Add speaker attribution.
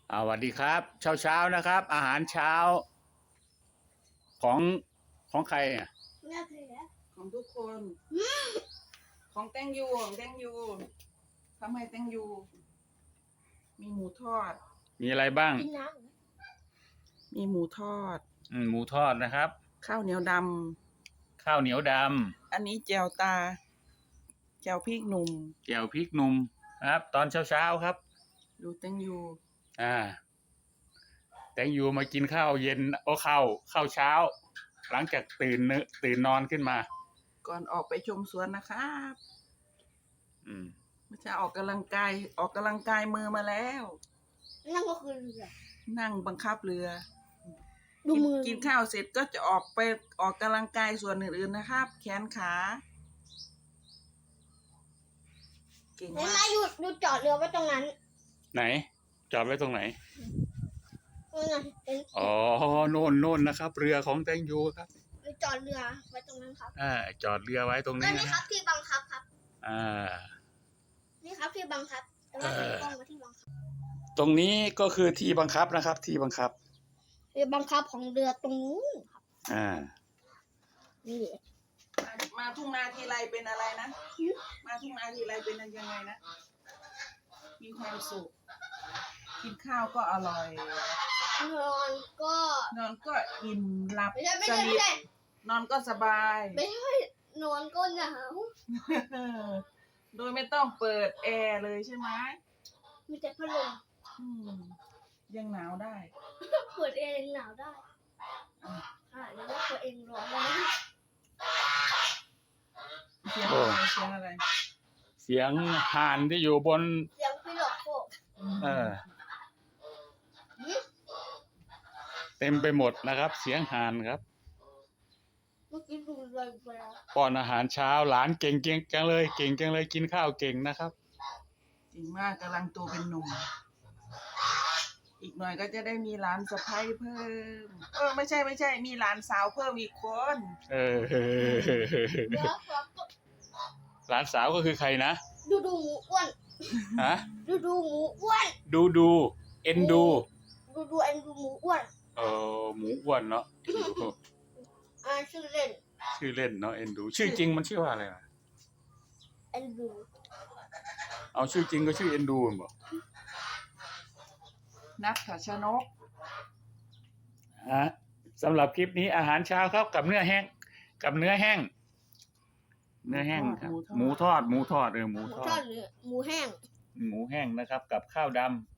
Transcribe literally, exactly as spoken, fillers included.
Speaker 1: อ่าสวัสดีครับเช้าเช้านะครับ อาหารเช้าของของใครอ่ะ
Speaker 2: ของทุกคนของแตงยูของแตงยูทำให้แตงยูมีหมูทอด
Speaker 1: มีอะไรบ้าง
Speaker 2: มีหมูทอด
Speaker 1: อืมหมูทอดนะครับ
Speaker 2: ข้าวเหนียวด
Speaker 1: ข้าวเหนียวด
Speaker 2: ำอันนี้แจ่วตาแจ่วพริกหนุ่ม
Speaker 1: ำแจ่วพริกหนุ่มนะครับ ตอนเช้าเช้าครับ
Speaker 2: ดูแตงยู
Speaker 1: อ่าแตงยูมากินข้าวเย็นโอ้ข้าวข้าวเช้า หลังจากตื่นเนตื่นนอนขึ้นมา
Speaker 2: ก่อนออกไปชมสวนนะครับ
Speaker 1: อืม
Speaker 2: ไม่ใช่ออกกำลังกายออกกำลังกายมือมาแล้ว
Speaker 3: นั่นก็คือเรือ
Speaker 2: นั่งบังคับเรือ
Speaker 3: ดู
Speaker 2: กิน
Speaker 3: มือ
Speaker 2: กินข้าวเสร็จก็จะออกไปออกกำลังกายส่วนอื่นๆนะครับ แขนขาเก่ง
Speaker 3: เห็น
Speaker 2: มา
Speaker 3: ไหม
Speaker 2: ก
Speaker 3: หยุดหยุดจอดเรือไว้ตรงนั้น
Speaker 1: ไหน จอดไว้ตรงไหน
Speaker 3: นั่นไงเห็น
Speaker 1: อ๋อโน่นโน่นนะครับ เรือของแตงยูครับ
Speaker 3: หยุดจอดเรือไว้ตรงนั้นครับ
Speaker 1: อ่าจอดเรือไว้ตรง
Speaker 3: ก็
Speaker 1: นี้
Speaker 3: นี่
Speaker 1: นะ
Speaker 3: ครับที่บังคับครับ
Speaker 1: อ่า
Speaker 3: นี่ครับที่บังคับแต่ว่าเป็นกล้องมาที่บังคับ
Speaker 1: ตรงนี้ก็คือที่บังคับนะครับ ที่บังคับ
Speaker 3: เรือบังคับของเรือตรงนู้นครับ
Speaker 1: อ่า
Speaker 3: นี่
Speaker 2: มามาทุ่งนาทีไรเป็นอะไรนะ มาทุ่งนาทีไรเป็นยังไงนะ มีความสุข กินข้าวก็อร่อย
Speaker 3: นอนก็
Speaker 2: นอนก็อิ่มหลับ
Speaker 3: ไม่ใช่ไม่
Speaker 2: ส
Speaker 3: ใช่
Speaker 2: นิ
Speaker 3: ไม่
Speaker 2: ท
Speaker 3: ใช่
Speaker 2: นอนก็สบาย
Speaker 3: ไม่ใช่นอนก็หนาว
Speaker 2: โดยไม่ต้องเปิดแอร์เลยใช่ไหม
Speaker 3: มีแต่พัดลม
Speaker 2: อืมยังหนาวได้
Speaker 3: เปิดเองหนาวได้
Speaker 2: อ่ะ
Speaker 3: อ่าแล้วก็เปิดเองร้อนแล้วนะ
Speaker 2: เสียงอะไรเสียงอะไร
Speaker 1: เสียงห่านที่อยู่บน
Speaker 3: เสียงพี่หลอกโก
Speaker 1: เออ เต็มไปหมดนะครับ เสียงห่านครับ
Speaker 3: เมื่อกี้ดูเลยไปแล้ว
Speaker 1: ป้อนอาหารเช้าหลานเก่งเก่งจังเลยเก่งจังเลยกินข้าวเก่งนะครับ
Speaker 2: จริงมากกำลังโตเป็นหนุ่ม อีกหน่อยก็จะได้มีหลานสะใภ้เพิ่ม เออไม่ใช่ไม่ใช่ มีหลานสาวเพิ่มอีกคน
Speaker 1: เออ
Speaker 3: แล้วก็
Speaker 1: หลานสาวก็คือใครนะ
Speaker 3: ดูดูหมูอ้วน
Speaker 1: ฮะ
Speaker 3: ดูดูหมูอ้วน
Speaker 1: ดูดูเอ็นดู
Speaker 3: ดูดูเอ็นดูหมูอ้วน
Speaker 1: เออหมูอ้วนเนาะ
Speaker 3: อ่าชื่อเล่น
Speaker 1: ชื่อเล่นเนาะเอ็นดู ชื่อจริงมันชื่อว่าอะไรนะ
Speaker 3: เอ็นดู
Speaker 1: เอาชื่อจริงก็ชื่อเอ็นดูมันบอก
Speaker 2: นัทชนก
Speaker 1: ฮะสำหรับคลิปนี้อาหารเช้าครับกับเนื้อแห้งกับเนื้อแห้ง เนื้อแห้งครับ หมูทอดหมูทอดเออหมู
Speaker 3: หมู
Speaker 1: ทอ
Speaker 3: ทอ
Speaker 1: ด
Speaker 3: ดหรือหมูแห้ง
Speaker 1: หมูแห้งนะครับ กับข้าวดำ